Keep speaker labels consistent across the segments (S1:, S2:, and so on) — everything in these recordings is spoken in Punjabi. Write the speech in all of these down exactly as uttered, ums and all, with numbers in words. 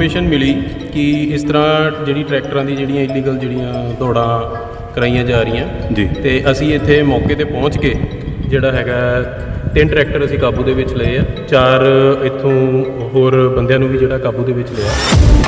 S1: ਇਨਫੋਰਮੇਸ਼ਨ ਮਿਲੀ ਕਿ ਇਸ ਤਰ੍ਹਾਂ ਜਿਹੜੀ ਟਰੈਕਟਰਾਂ ਦੀ ਜਿਹੜੀਆਂ ਇਲੀਗਲ ਜਿਹੜੀਆਂ ਦੌੜਾਂ ਕਰਾਈਆਂ ਜਾ ਰਹੀਆਂ
S2: ਜੀ
S1: ਤੇ ਅਸੀਂ ਇੱਥੇ ਮੌਕੇ ਤੇ ਪਹੁੰਚ ਕੇ ਜਿਹੜਾ ਹੈਗਾ ਤਿੰਨ ਟਰੈਕਟਰ ਅਸੀਂ ਕਾਬੂ ਦੇ ਵਿੱਚ ਲਏ ਆ। ਚਾਰ ਇੱਥੋਂ ਹੋਰ ਬੰਦਿਆਂ ਨੂੰ ਵੀ ਜਿਹੜਾ ਕਾਬੂ ਦੇ ਵਿੱਚ ਲਿਆ।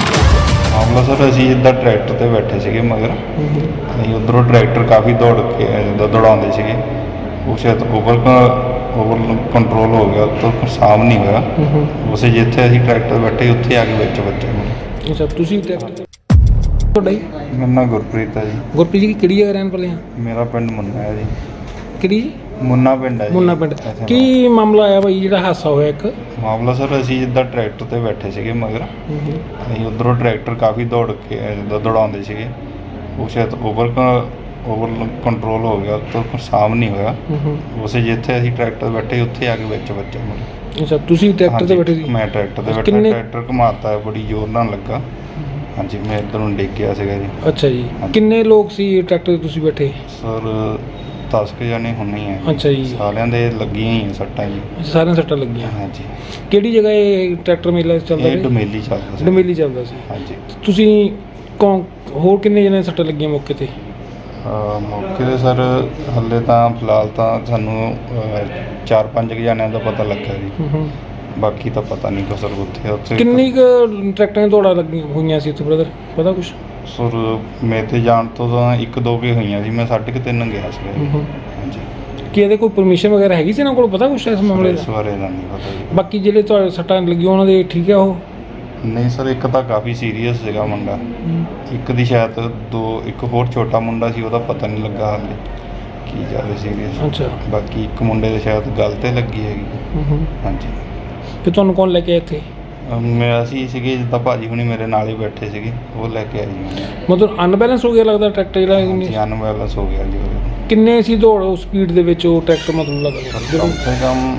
S3: ਮਾਮਲਾ ਸਰ ਅਸੀਂ ਇੱਦਾਂ ਟਰੈਕਟਰ ਤੇ ਬੈਠੇ ਸੀਗੇ ਮਗਰ ਅਸੀਂ ਉੱਧਰੋਂ ਟਰੈਕਟਰ ਕਾਫੀ ਦੌੜ ਕੇ ਜਿੱਦਾਂ ਦੌੜਾਉਂਦੇ ਸੀਗੇ ਉਹ ਸ਼ਾਇਦ ਓਵਰ ਓਵਰ ਕੰਟਰੋਲ ਹੋ ਗਿਆ ਤਾਂ ਸਾਮ ਨਹੀਂ ਹੋਇਆ। ਉਸੇ ਜਿੱਥੇ ਅਸੀਂ ਟਰੈਕਟਰ ਬੈਠੇ ਉੱਥੇ ਆ ਕੇ ਵਿੱਚ ਵੱਜੇ।
S4: ਅੱਛਾ ਤੁਸੀਂ ਟਰੈਕਟਰ ਤੁਹਾਡਾ ਜੀ?
S3: ਮੇਰਾ ਨਾਮ ਗੁਰਪ੍ਰੀਤ ਹੈ ਜੀ।
S4: ਗੁਰਪ੍ਰੀਤ ਜੀ ਕਿਹੜੀ ਜਗ੍ਹਾ ਰਹਿਣ ਵਾਲੇ ਆ?
S3: ਮੇਰਾ ਪਿੰਡ ਮੁੰਨਾ ਹੈ ਜੀ।
S4: ਕਿਹੜੀ ਜੀ?
S3: ਮੁੰਨਾ ਪਿੰਡ ਹੈ ਜੀ।
S4: ਮੁੰਨਾ ਪਿੰਡ। ਕੀ ਮਾਮਲਾ ਆਇਆ ਬਾਈ ਜਿਹੜਾ ਹਾਦਸਾ ਹੋਇਆ ਇੱਕ?
S3: ਮਾਮਲਾ ਸਰ ਅਸੀਂ ਜਿੱਦਾਂ ਟਰੈਕਟਰ ਤੇ ਬੈਠੇ ਸੀਗੇ ਮਗਰ ਅਸੀਂ ਉੱਧਰੋਂ ਟਰੈਕਟਰ ਕਾਫੀ ਦੌੜ ਕੇ ਜਿੱਦਾਂ ਦੌੜਾਉਂਦੇ ਸੀਗੇ ਉਹ ਸ਼ਾਇਦ ਓਵਰ ਓਵਰ ਕੰਟਰੋਲ ਹੋ ਗਿਆ ਤਾਂ ਸਾਮ ਨਹੀਂ ਹੋਇਆ। ਉਸੇ ਜਿੱਥੇ ਅਸੀਂ ਟਰੈਕਟਰ ਬੈਠੇ ਉੱਥੇ ਆ ਕੇ ਵਿੱਚ ਵੱਜੇ।
S4: ਅੱਛਾ ਤੁਸੀਂ ਟਰੈਕਟਰ ਤੇ ਬੈਠੇ ਸੀ?
S3: ਮੈਂ ਟਰੈਕਟਰ ਤੇ ਬੈਠਾ। ਟਰੈਕਟਰ ਘੁਮਾਤਾ ਹੈ ਬੜੀ ਜ਼ੋਰ ਨਾਲ ਲੱਗਾ। ਹਾਂਜੀ ਮੈਂ ਇੱਧਰ ਨੂੰ ਡਿੱਗ ਗਿਆ ਸੀਗਾ ਜੀ।
S4: ਅੱਛਾ ਜੀ ਕਿੰਨੇ ਲੋਕ ਸੀ ਟਰੈਕਟਰ ਤੇ ਤੁਸੀਂ ਬੈਠੇ?
S3: ਸਰ ਦਸ ਕੁ ਜਾਣੇ ਹੁੰਨੇ ਹੀ ਆ।
S4: ਅੱਛਾ ਜੀ
S3: ਸਾਰਿਆਂ ਦੇ ਲੱਗੀਆਂ ਹੀ ਆ ਸੱਟਾਂ ਜੀ।
S4: ਸਾਰਿਆਂ ਸੱਟਾਂ ਲੱਗੀਆਂ?
S3: ਹਾਂਜੀ।
S4: ਕਿਹੜੀ ਜਗ੍ਹਾ ਇਹ ਟਰੈਕਟਰ ਮੇਲਾ ਚੱਲਦਾ?
S3: ਇਹ ਡਮੇਲੀ ਚੱਲਦਾ ਸੀ।
S4: ਡਮੇਲੀ ਚੱਲਦਾ ਸੀ।
S3: ਹਾਂਜੀ।
S4: ਤੁਸੀਂ ਕੌਣ ਹੋਰ ਕਿੰਨੇ ਜਣੇ ਸੱਟਾਂ ਲੱਗੀਆਂ ਮੌਕੇ ਤੇ?
S3: ਮੌਕੇ 'ਤੇ ਸਰ ਹਾਲੇ ਤਾਂ ਫਿਲਹਾਲ ਤਾਂ ਸਾਨੂੰ ਚਾਰ ਪੰਜ ਕੁ ਜਣਿਆਂ ਦਾ ਪਤਾ ਲੱਗਾ ਜੀ। ਬਾਕੀ ਤਾਂ ਪਤਾ ਨਹੀਂ ਕੋ ਸਰ ਉੱਥੇ ਉੱਥੇ
S4: ਕਿੰਨੀ ਕੁ ਟਰੈਕਟਰਾਂ ਦੀਆਂ ਦੌੜਾਂ ਲੱਗੀਆਂ ਹੋਈਆਂ ਸੀ ਉੱਥੇ ਬ੍ਰਦਰ ਪਤਾ ਕੁਛ?
S3: ਸਰ ਮੇਰੇ ਤੇ ਜਾਣ ਤੋਂ ਤਾਂ ਇੱਕ ਦੋ ਕੁ ਹੋਈਆਂ ਸੀ। ਮੈਂ ਸਾਢੇ ਕੁ ਤਿੰਨ ਗਿਆ ਸੀ। ਹਾਂਜੀ।
S4: ਕੀ ਇਹਦੇ ਕੋਈ ਪਰਮਿਸ਼ਨ ਵਗੈਰਾ ਹੈਗੀ ਸੀ ਇਹਨਾਂ ਕੋਲ ਪਤਾ ਕੁਛ ਇਸ ਮਾਮਲੇ ਦਾ?
S3: ਇਸ ਬਾਰੇ ਦਾ ਨਹੀਂ ਪਤਾ ਜੀ।
S4: ਬਾਕੀ ਜਿਹੜੇ ਤੁਹਾਡੇ ਸੱਟਾਂ ਲੱਗੀਆਂ ਉਹਨਾਂ ਦੇ ਠੀਕ ਆ ਉਹ?
S3: ਨਹੀਂ ਸਰ ਇੱਕ ਤਾਂ ਕਾਫੀ ਸੀਰੀਅਸ ਸੀਗਾ ਮੁੰਡਾ। ਇੱਕ ਦੀ ਸ਼ਾਇਦ ਦੋ ਇੱਕ ਹੋਰ ਛੋਟਾ ਮੁੰਡਾ ਸੀ ਉਹਦਾ ਪਤਾ ਨਹੀਂ ਲੱਗਾ ਹਾਲੇ ਕੀ ਜ਼ਿਆਦਾ ਸੀਰੀਅਸ।
S4: ਅੱਛਾ।
S3: ਬਾਕੀ ਇੱਕ ਮੁੰਡੇ ਦੇ ਸ਼ਾਇਦ ਗੱਲ ਤੇ ਲੱਗੀ ਹੈਗੀ। ਹਾਂਜੀ।
S4: ਤੇ ਤੁਹਾਨੂੰ ਕੌਣ ਲੈ ਕੇ ਆਇਆ ਇੱਥੇ?
S3: ਮੈਂ ਅਸੀਂ ਸੀਗੇ ਜਿੱਦਾਂ ਭਾਜੀ ਹੁਣੀ ਮੇਰੇ ਨਾਲ ਹੀ ਬੈਠੇ ਸੀਗੇ ਉਹ ਲੈ ਕੇ ਆਏ ਜੀ।
S4: ਮਤਲਬ ਅਨਬੈਲੈਂਸ ਹੋ ਗਿਆ ਲੱਗਦਾ ਟਰੈਕਟਰ ਜਿਹੜਾ?
S3: ਅਨਬੈਲੈਂਸ ਹੋ ਗਿਆ ਜੀ ਉਹਦੇ।
S4: ਕਿੰਨੇ ਸੀ ਦੌੜ ਉਸ ਸਪੀਡ ਦੇ ਵਿੱਚ ਉਹ ਟਰੈਕਟਰ ਮਤਲਬ ਲੱਗਦਾ?
S3: ਕਮ ਸੇ ਕਮ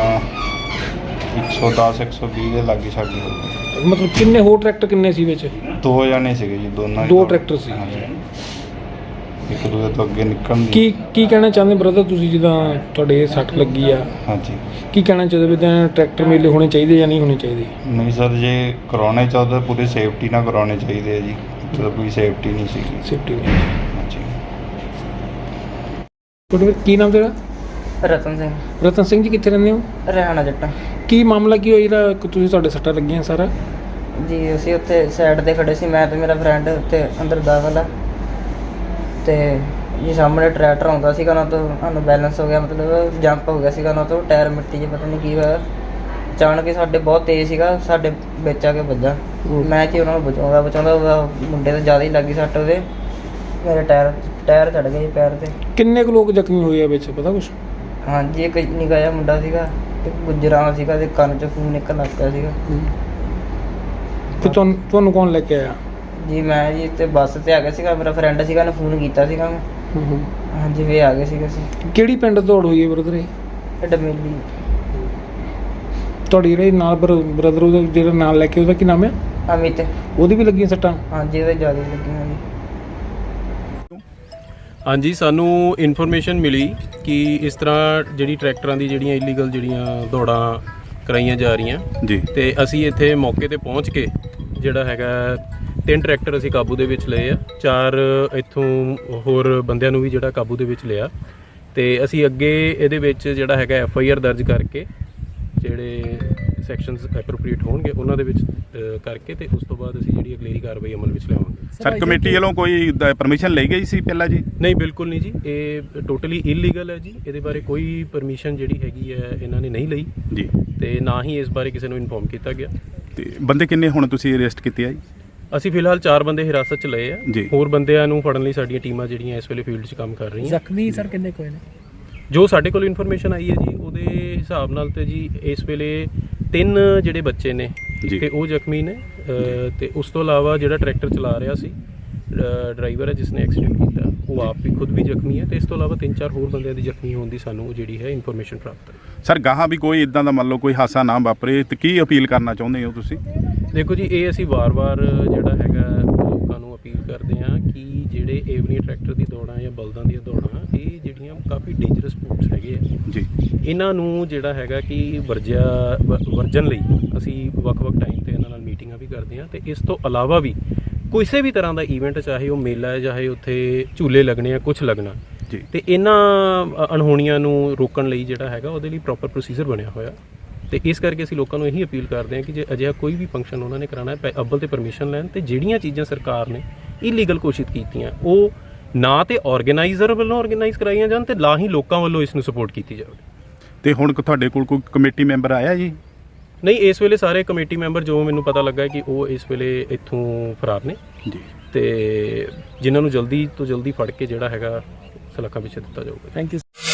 S3: ਇੱਕ ਸੌ ਦਸ ਇੱਕ ਸੌ ਵੀਹ ਦੇ ਲਾਗੇ ਸਾਡੀ ਹੋ ਗਈ।
S4: ਮਤਲਬ ਕਿੰਨੇ ਹੋਰ ਟਰੈਕਟਰ ਕਿੰਨੇ ਸੀ ਵਿੱਚ?
S3: ਦੋ ਜਾਣੇ ਸੀਗੇ ਜੀ ਦੋਨਾਂ
S4: ਦੋ ਟਰੈਕਟਰ ਸੀ।
S3: ਹਾਂਜੀ। ਇੱਕ ਦੂਜੇ ਤੋਂ ਅੱਗੇ ਨਿਕਲਣ ਦੀ।
S4: ਕੀ ਕੀ ਕਹਿਣਾ ਚਾਹੁੰਦੇ ਬ੍ਰਦਰ ਤੁਸੀਂ ਜਿੱਦਾਂ ਤੁਹਾਡੇ ਸੱਟ ਲੱਗੀ ਆ?
S3: ਹਾਂਜੀ।
S4: ਕੀ ਕਹਿਣਾ ਚਾਹੁੰਦੇ ਵੀ ਤਾਂ ਟਰੈਕਟਰ ਮੇਲੇ ਹੋਣੇ ਚਾਹੀਦੇ ਜਾਂ ਨਹੀਂ ਹੋਣੇ ਚਾਹੀਦੇ?
S3: ਨਹੀਂ ਸਰ ਜੇ ਕਰਾਉਣੇ ਚਾਹੁੰਦੇ ਪੂਰੀ ਸੇਫਟੀ ਨਾਲ ਕਰਾਉਣੇ ਚਾਹੀਦੇ ਆ ਜੀ। ਇੱਥੇ ਤਾਂ ਕੋਈ ਸੇਫਟੀ ਨਹੀਂ ਸੀਗੀ।
S4: ਸੇਫਟੀ ਨਹੀਂ।
S3: ਹਾਂਜੀ।
S4: ਤੁਹਾਡਾ ਕੀ ਨਾਮ ਤੇਰਾ?
S5: ਰਤਨ ਸਿੰਘ।
S4: ਰਤਨ ਸਿੰਘ ਜੀ ਕਿੱਥੇ ਰਹਿੰਦੇ ਹੋ?
S5: ਰਹਿਣਾ ਜੱਟਾਂ।
S4: ਕੀ ਮਾਮਲਾ ਕੀ ਹੋਇਆ ਜਿਹੜਾ ਤੁਸੀਂ ਤੁਹਾਡੇ ਸੱਟਾਂ ਲੱਗੀਆਂ ਸਾਰਾ?
S5: ਜੀ ਅਸੀਂ ਉੱਥੇ ਸਾਈਡ ਤੇ ਖੜੇ ਸੀ ਮੈਂ ਤੇ ਮੇਰਾ ਫਰੈਂਡ ਉੱਥੇ ਅੰਦਰ ਦਾਖਲ ਆ ਤੇ ਜੀ ਸਾਹਮਣੇ ਟਰੈਕਟਰ ਆਉਂਦਾ ਸੀਗਾ ਉਹਨਾਂ ਤੋਂ ਸਾਨੂੰ ਬੈਲੈਂਸ ਹੋ ਗਿਆ ਮਤਲਬ ਜੰਪ ਹੋ ਗਿਆ ਸੀਗਾ ਉਹਨਾਂ ਤੋਂ ਟਾਇਰ ਮਿੱਟੀ 'ਚ ਪਤਾ ਨਹੀਂ ਕੀ ਹੋਇਆ ਅਚਾਨਕ ਹੀ ਸਾਡੇ ਬਹੁਤ ਤੇਜ਼ ਸੀਗਾ ਸਾਡੇ ਵਿੱਚ ਆ ਕੇ ਵੱਜਾ। ਮੈਂ ਕਿ ਉਹਨਾਂ ਨੂੰ ਬਚਾਉਂਦਾ ਬਚਾਉਂਦਾ ਉਹਦਾ ਮੁੰਡੇ ਤੇ ਜ਼ਿਆਦਾ ਹੀ ਲੱਗੀ ਸੱਟ ਉਹਦੇ ਮੇਰੇ ਟਾਇਰ ਟਾਇਰ ਚੜ ਗਏ ਪੈਰ ਤੇ।
S4: ਕਿੰਨੇ ਕੁ ਲੋਕ ਜ਼ਖਮੀ ਹੋਏ ਆ ਵਿੱਚ ਪਤਾ ਕੁਛ?
S5: ਹਾਂਜੀ ਇੱਕ ਨਿੱਕਾ ਜਿਹਾ ਮੁੰਡਾ ਸੀਗਾ ਇੱਕ ਗੁੱਜਰਾਂ ਸੀਗਾ ਤੇ ਕੰਨ 'ਚ ਖੂਨ ਨਿਕਲਣ ਲੱਗ ਪਿਆ ਸੀਗਾ।
S4: ਤੇ ਤੁਹਾਨੂੰ ਤੁਹਾਨੂੰ ਕੌਣ ਲੈ ਕੇ ਆਇਆ?
S5: ਜੀ ਮੈਂ ਜੀ ਤੇ ਬੱਸ ਤੇ ਆ ਗਿਆ ਸੀਗਾ ਮੇਰਾ ਫਰੈਂਡ ਸੀਗਾ ਉਹਨੇ ਫੋਨ ਕੀਤਾ ਸੀਗਾ ਮੈਂ। ਹਾਂਜੀ ਵੀ ਆ ਗਏ ਸੀਗੇ ਅਸੀਂ।
S4: ਕਿਹੜੀ ਪਿੰਡ ਦੌੜ ਹੋਈ ਹੈ ਬ੍ਰਦਰ ਇਹ?
S5: ਇਹ ਡਮੇਲੀ।
S4: ਤੁਹਾਡੀ ਜਿਹੜੇ ਨਾਲ ਬ੍ਰਦਰ ਉਹਦਾ ਜਿਹੜਾ ਨਾਲ ਲੈ ਕੇ ਉਹਦਾ ਕੀ ਨਾਮ ਹੈ?
S5: ਅਮਿਤ।
S4: ਉਹਦੀ ਵੀ ਲੱਗੀਆਂ ਸੱਟਾਂ?
S5: ਹਾਂਜੀ ਉਹਦੇ ਜ਼ਿਆਦਾ ਲੱਗੀਆਂ ਜੀ।
S1: ਹਾਂਜੀ ਸਾਨੂੰ ਇਨਫੋਰਮੇਸ਼ਨ ਮਿਲੀ ਕਿ ਇਸ ਤਰ੍ਹਾਂ ਜਿਹੜੀ ਟਰੈਕਟਰਾਂ ਦੀ ਜਿਹੜੀਆਂ ਇਲੀਗਲ ਜਿਹੜੀਆਂ ਦੌੜਾਂ ਕਰਾਈਆਂ ਜਾ ਰਹੀਆਂ
S2: ਜੀ
S1: ਤੇ ਅਸੀਂ ਇੱਥੇ ਮੌਕੇ ਤੇ ਪਹੁੰਚ ਕੇ ਜਿਹੜਾ ਹੈਗਾ ਤਿੰਨ ਟਰੈਕਟਰ ਅਸੀਂ ਕਾਬੂ ਦੇ ਵਿੱਚ ਲਏ ਆ। ਚਾਰ ਇੱਥੋਂ ਹੋਰ ਬੰਦਿਆਂ ਨੂੰ ਵੀ ਜਿਹੜਾ ਕਾਬੂ ਦੇ ਵਿੱਚ ਲਿਆ ਤੇ ਅਸੀਂ ਅੱਗੇ ਇਹਦੇ ਵਿੱਚ ਜਿਹੜਾ ਹੈਗਾ ਐਫ ਆਈ ਆਰ ਦਰਜ ਕਰਕੇ ਜਿਹੜੇ ਸੈਕਸ਼ਨਸ ਐਪਰੋਪਰੀਏਟ ਹੋਣਗੇ ਉਹਨਾਂ ਦੇ ਵਿੱਚ ਕਰਕੇ ਤੇ ਉਸ ਤੋਂ ਬਾਅਦ ਅਸੀਂ ਜਿਹੜੀ ਅਗਲੇਰੀ ਕਾਰਵਾਈ ਅਮਲ ਵਿੱਚ ਲਿਆਵਾਂਗੇ।
S2: ਸਰ ਕਮੇਟੀ ਵੱਲੋਂ ਕੋਈ ਪਰਮਿਸ਼ਨ ਲਈ ਗਈ ਸੀ ਪਹਿਲਾਂ ਜੀ?
S1: ਨਹੀਂ ਬਿਲਕੁਲ ਨਹੀਂ ਜੀ ਇਹ ਟੋਟਲੀ ਇਲੀਗਲ ਹੈ ਜੀ। ਇਹਦੇ ਬਾਰੇ ਕੋਈ ਪਰਮਿਸ਼ਨ ਜਿਹੜੀ ਹੈਗੀ ਹੈ ਇਹਨਾਂ ਨੇ ਨਹੀਂ ਲਈ
S2: ਜੀ
S1: ਤੇ ਨਾ ਹੀ ਇਸ ਬਾਰੇ ਕਿਸੇ ਨੂੰ ਇਨਫੋਰਮ ਕੀਤਾ ਗਿਆ।
S2: ਤੇ ਬੰਦੇ ਕਿੰਨੇ ਹੁਣ ਤੁਸੀਂ ਅਰੈਸਟ ਕੀਤੇ ਆ ਜੀ?
S1: ਅਸੀਂ ਫਿਲਹਾਲ ਚਾਰ ਬੰਦੇ ਹਿਰਾਸਤ 'ਚ ਲਏ ਆ।
S2: ਜੀ।
S1: ਹੋਰ ਬੰਦਿਆਂ ਨੂੰ ਫੜਨ ਲਈ ਸਾਡੀਆਂ ਟੀਮਾਂ ਜਿਹੜੀਆਂ ਇਸ ਵੇਲੇ ਫੀਲਡ 'ਚ ਕੰਮ ਕਰ ਰਹੀਆਂ।
S4: ਜ਼ਖਮੀ ਸਰ ਕਿੰਨੇ ਕੋਈ ਨੇ?
S1: ਜੋ ਸਾਡੇ ਕੋਲ ਇਨਫੋਰਮੇਸ਼ਨ ਆਈ ਹੈ ਜੀ ਉਹਦੇ ਹਿਸਾਬ ਨਾਲ ਤੇ ਜੀ ਇਸ ਵੇਲੇ ਤਿੰਨ ਜਿਹੜੇ ਬੱਚੇ ਨੇ ਤੇ ਉਹ ਜ਼ਖਮੀ ਨੇ ਤੇ ਉਸ ਤੋਂ ਇਲਾਵਾ ਜਿਹੜਾ ਟਰੈਕਟਰ ਚਲਾ ਰਿਹਾ ਸੀ ਡਰਾਈਵਰ ਹੈ ਜਿਸ ਨੇ ਐਕਸੀਡੈਂਟ ਕੀਤਾ ਉਹ ਆਪ ਵੀ ਖੁਦ ਵੀ ਜ਼ਖਮੀ ਹੈ ਤੇ ਇਸ ਤੋਂ ਇਲਾਵਾ ਤਿੰਨ ਚਾਰ ਹੋਰ ਬੰਦਿਆਂ ਦੀ ਜ਼ਖਮੀ ਹੋਣ ਦੀ ਸਾਨੂੰ ਜਿਹੜੀ ਹੈ ਇਨਫੋਰਮੇਸ਼ਨ ਪ੍ਰਾਪਤ ਹੈ।
S2: ਸਰ ਗਾਹਾਂ ਵੀ ਕੋਈ ਇਦਾਂ ਦਾ ਮੰਨ ਲਓ ਕੋਈ ਹਾਦਸਾ ਨਾ ਵਾਪਰੇ ਤੇ ਕੀ ਅਪੀਲ ਕਰਨਾ ਚਾਹੁੰਦੇ ਹੋ ਤੁਸੀਂ?
S1: ਦੇਖੋ ਜੀ ਇਹ ਅਸੀਂ ਵਾਰ-ਵਾਰ ਜਿਹੜਾ ਹੈਗਾ ਲੋਕਾਂ ਨੂੰ ਅਪੀਲ ਕਰਦੇ ਹਾਂ ਕਿ ਜਿਹੜੇ ਏਵਨੀ ਟਰੈਕਟਰ ਦੀ ਦੌੜਾਂ ਜਾਂ ਬਲਦਾਂ ਦੀਆਂ ਦੌੜਾਂ ਇਹ ਜਿਹੜੀਆਂ ਕਾਫੀ ਡੇਂਜਰਸ ਸਪੋਰਟਸ ਹੈਗੇ ਆ
S2: ਜੀ
S1: ਇਹਨਾਂ ਨੂੰ ਜਿਹੜਾ ਹੈਗਾ ਕਿ ਵਰਜਿਆ ਵਰਜਨ ਲਈ ਅਸੀਂ ਵੱਖ-ਵੱਖ ਟਾਈਮ ਤੇ ਇਹਨਾਂ ਨਾਲ ਮੀਟਿੰਗ ਮੀਟਿੰਗਾਂ ਵੀ ਕਰਦੇ ਹਾਂ ਤੇ ਇਸ ਤੋਂ ਇਲਾਵਾ ਵੀ ਕਿਸੇ ਵੀ ਤਰ੍ਹਾਂ ਦਾ ਈਵੈਂਟ, ਚਾਹੇ ਉਹ ਮੇਲਾ ਹੈ, ਚਾਹੇ ਉੱਥੇ ਝੂਲੇ ਲੱਗਣੇ ਆ, ਕੁਝ ਲੱਗਣਾ
S2: ਜੀ।
S1: ਤੇ ਇਹਨਾਂ ਅਣਹੋਣੀਆਂ ਨੂੰ ਰੋਕਣ ਲਈ ਜਿਹੜਾ ਹੈਗਾ ਉਹਦੇ ਲਈ ਪ੍ਰੋਪਰ ਪ੍ਰੋਸੀਜਰ ਬਣਿਆ ਹੋਇਆ ਤੇ ਇਸ ਕਰਕੇ ਅਸੀਂ ਲੋਕਾਂ ਨੂੰ ਇਹੀ ਅਪੀਲ ਕਰਦੇ ਹਾਂ ਕਿ ਜੇ ਅਜਿਹਾ ਕੋਈ ਵੀ ਫੰਕਸ਼ਨ ਉਹਨਾਂ ਨੇ ਕਰਾਉਣਾ ਹੈ, ਅੱਵਲ ਤੇ ਪਰਮਿਸ਼ਨ ਲੈਣ ਤੇ ਜਿਹੜੀਆਂ ਚੀਜ਼ਾਂ ਸਰਕਾਰ ਨੇ ਇਲੀਗਲ ਘੋਸ਼ਿਤ ਕੀਤੀਆਂ ਉਹ ਨਾ ਤੇ ਆਰਗੇਨਾਈਜ਼ਰ ਵੱਲੋਂ ਆਰਗੇਨਾਈਜ਼ ਕਰਾਈਆਂ ਜਾਣ ਤੇ ਨਾ ਹੀ ਲੋਕਾਂ ਵੱਲੋਂ ਇਸ ਨੂੰ ਸਪੋਰਟ ਕੀਤੀ ਜਾਵੇ।
S2: ਤੇ ਹੁਣ ਤੁਹਾਡੇ ਕੋਲ ਕੋਈ ਕਮੇਟੀ ਮੈਂਬਰ ਆਇਆ ਜੀ?
S1: ਨਹੀਂ, ਇਸ ਵੇਲੇ ਸਾਰੇ ਕਮੇਟੀ ਮੈਂਬਰ ਜੋ ਮੈਨੂੰ ਪਤਾ ਲੱਗਾ ਕਿ ਉਹ ਇਸ ਵੇਲੇ ਇੱਥੋਂ ਫਰਾਰ ਨੇ
S2: ਜੀ,
S1: ਤੇ ਜਿਨ੍ਹਾਂ ਨੂੰ ਜਲਦੀ ਤੋਂ ਜਲਦੀ ਫੜ ਕੇ ਜਿਹੜਾ ਹੈਗਾ ਸਲਾਖਾਂ ਪਿੱਛੇ ਦਿੱਤਾ ਜਾਊਗਾ।
S4: Thank you.